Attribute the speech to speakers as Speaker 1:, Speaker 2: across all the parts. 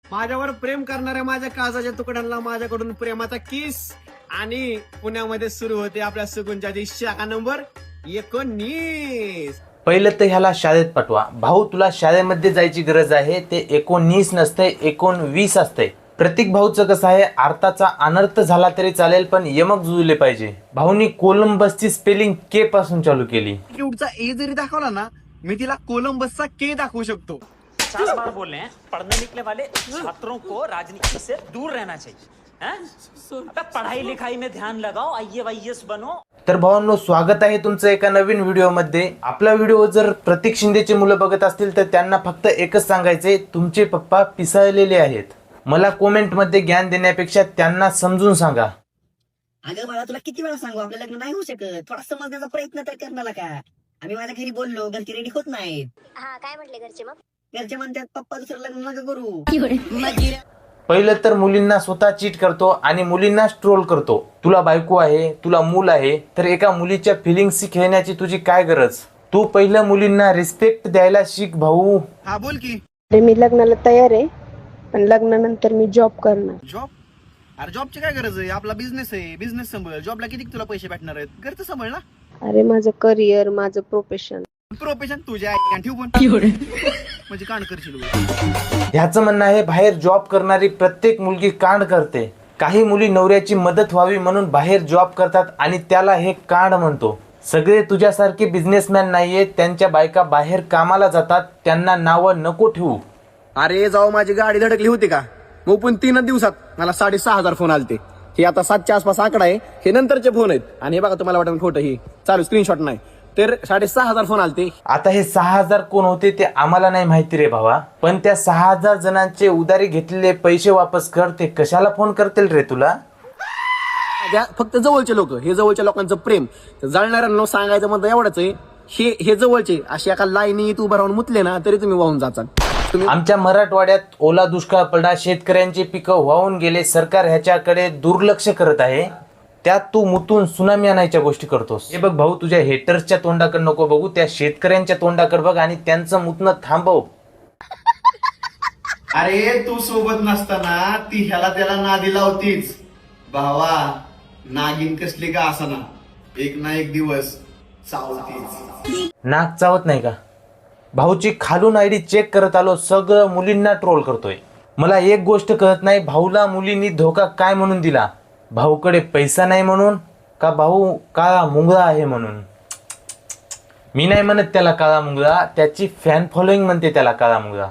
Speaker 1: माझ्यावर प्रेम करणाऱ्या माझ्या काळजाच्या तुकड्यांना माझ्याकडून प्रेमाचा किस. आणि पुण्यामध्ये सुरू होते आपल्या सुगुंजाची शाखा नंबर 19.
Speaker 2: पहिलं तर ह्याला शाळेत पाठवा. भाऊ तुला शाळेमध्ये जायची गरज आहे. ते 19 नसतंय 19 असतंय. प्रतीक भाऊचं कसं आहे, अर्थाचा अनर्थ झाला तरी चालेल पण यमक जुळले पाहिजे. भाऊनी कोलंबसची स्पेलिंग के पासून चालू केली.
Speaker 1: क्यूटचा ए जरी दाखवला ना, मी तिला कोलंबसचा के दाखवू शकतो.
Speaker 3: 50 बार बोल रहे हैं, पढ़ने निकले वाले छात्रों को राजनीति से दूर रहना चाहिए. अबे पढ़ाई लिखाई में ध्यान लगाओ, IAS बनो.
Speaker 2: तर भावांनो, स्वागत आहे तुमचं एका नवीन व्हिडिओमध्ये. आपला व्हिडिओ जर प्रतीक शिंदेचे मुलं बघत असतील तर त्यांना फक्त एकच सांगायचंय, तुमचे पप्पा पिसाळलेले आहेत. मला कमेंट मध्ये ज्ञान देण्यापेक्षा त्यांना समजून सांगा.
Speaker 4: अगं मला तुला किती वेळा सांगू, आपलं लग्न नाही होऊ शकत. थोडा समजण्याचा प्रयत्न तर करणार का. आम्ही माझ्या घरी बोललो, घरचे रेडी होत नाहीत.
Speaker 5: हा काय म्हटले घरचे मग?
Speaker 4: घरचे म्हणतात पप्पा दुसरं लग्न नका करू.
Speaker 2: पहिलं तर मुलींना स्वतः चीट करतो आणि मुलींना ट्रोल करतो. तुला बायको आहे, तुला मूल आहे, तर एका मुलीच्या फिलिंग्स खेळण्याची तुझी काय गरज. तू पहिलं मुलींना रिस्पेक्ट द्यायला शिक भाऊ.
Speaker 1: हा बोल की.
Speaker 6: मी लग्नाला तयार आहे, पण लग्नानंतर मी जॉब करणार.
Speaker 1: जॉब? अरे जॉबची काय गरज आहे, आपला बिझनेस आहे, बिझनेस सांभाळ. जॉबला किती तुला पैसे भेटणार आहेत, घरचं सांभाळ ना.
Speaker 6: अरे माझं करिअर, माझं प्रोफेशन.
Speaker 1: प्रोफेशन तुझ्या ठेवू पण म्हणजे कांड करशील.
Speaker 2: ह्याचं म्हणणं आहे, बाहेर जॉब करणारी प्रत्येक मुलगी कांड करते. काही मुली नवऱ्याची मदत व्हावी म्हणून बाहेर जॉब करतात आणि त्याला हे कांड म्हणतो. सगळे तुझ्यासारखे बिझनेसमॅन नाहीये, त्यांच्या बायका बाहेर कामाला जातात, त्यांना नावं नको ठेवू.
Speaker 1: अरे जाऊ, माझी गाडी धडकली होती का, मग पण 3 दिवसात मला 6,500 फोन आलते. हे आता 7च्या आसपास आकडा आहे, हे नंतरचे फोन आहेत. आणि हे बघा, तुम्हाला वाटतं खोटं, ही चालू स्क्रीनशॉट नाही, तर 6,500 फोन आलते.
Speaker 2: आता हे 6,000 कोण होते ते आम्हाला नाही माहिती रे भावा, पण त्या 6,000 जणांचे उधारी घेतलेले पैसे वापस कर. ते कशाला फोन करतील रे तुला.
Speaker 1: फक्त जवळचे लोक, हे जवळच्या लोकांचं प्रेम. जळणाऱ्यांना सांगायचं म्हणतं एवढंच आहे, हे जवळचे अशी एका लाईनीत उभं राहून मुतले ना तरी तुम्ही वाहून जाचाल.
Speaker 2: आमच्या मराठवाड्यात ओला दुष्काळ पडला, शेतकऱ्यांची पिकं वाहून गेले. सरकार ह्याच्याकडे दुर्लक्ष करत आहे. त्यात तू मुतून सुनामी आणायच्या गोष्टी करतोस. हे बघ भाऊ, तुझ्या हेटर्सच्या तोंडाकडे नको बघू, त्या शेतकऱ्यांच्या तोंडाकडे बघ आणि त्यांचं मुतणं थांबव.
Speaker 1: अरे तू सोबत नसताना ती ह्याला त्याला नादी लावतीच. भावा, नागिन कसली का असाना, एक ना एक दिवस चावतीच.
Speaker 2: नाक चावत नाही का. भाऊची खालून आयडी चेक करत आलो, सगळं मुलींना ट्रोल करतोय. मला एक गोष्ट कळत नाही, भाऊला मुलींनी धोका काय म्हणून दिला. भाऊकडे पैसा नाही म्हणून, का भाऊ काळा मुंगळा आहे म्हणून. मी नाही म्हणत त्याला काळा मुंगळा, त्याची फॅन फॉलोईंग म्हणते त्याला काळा मुंगळा.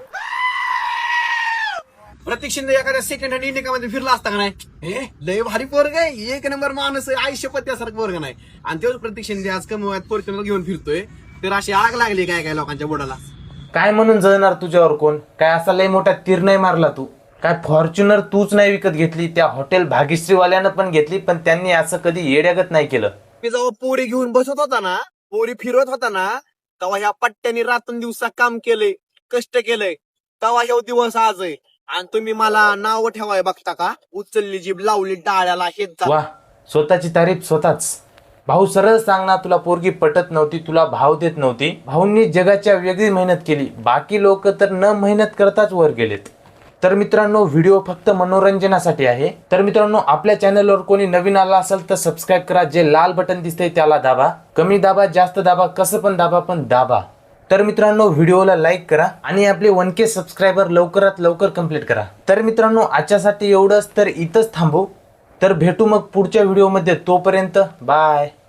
Speaker 1: प्रतीक शिंदे एखाद्या सेकंड हँड इंडिकामध्ये फिरला असता का नाही, हे लय भारी पोरग आहे, 1 नंबर माणूस आहे, आयुष्यपत्यासारखं पोरग नाही. आणि तेच प्रतीक शिंदे आज कमवत फॉर्च्युनर घेऊन फिरतोय, तर अशी आग लागली काय काय लोकांच्या बोडाला.
Speaker 2: काय म्हणून जळणार तुझ्यावर कोण. काय असा लय मोठा तीर नाही मारला तू. काय फॉर्च्युनर तूच नाही विकत घेतली, त्या हॉटेल भाग्यश्रीवाल्यानं पण घेतली, पण त्यांनी असं कधी येड्यागत नाही केलं.
Speaker 1: मी जेव्हा पोरी घेऊन बसत होता ना, पोरी फिरवत होता ना, तेव्हा ह्या पट्ट्याने रातून दिवसा काम केलंय, कष्ट केलंय, तेव्हा ह्यो दिवस आज आहे. आणि तुम्ही मला नाव ठेवाय बघता का, उचलली जीभ लावली टाळ्याला, हेच
Speaker 2: वा, स्वतःची तारीफ स्वतःच. भाऊ सरळ सांग ना, तुला पोरगी पटत नव्हती, तुला भाव देत नव्हती. भाऊंनी जगाच्या वेगळी मेहनत केली, बाकी लोक तर न मेहनत करताच वर गेलेत. तर मित्रांनो, व्हिडिओ फक्त मनोरंजनासाठी आहे. तर मित्रांनो, आपल्या चॅनलवर कोणी नवीन आला असेल तर सबस्क्राईब करा. जे लाल बटन दिसतंय त्याला दाबा. कमी दाबा, जास्त दाबा, कसं पण दाबा, पण दाबा. तर मित्रांनो, व्हिडिओला लाईक करा आणि आपले 1K सबस्क्रायबर लवकरात लवकर कंप्लीट करा. तर मित्रांनो, आजच्यासाठी एवढंच. तर इथंच थांबू. तर भेटू मग पुढच्या व्हिडिओमध्ये. तोपर्यंत बाय.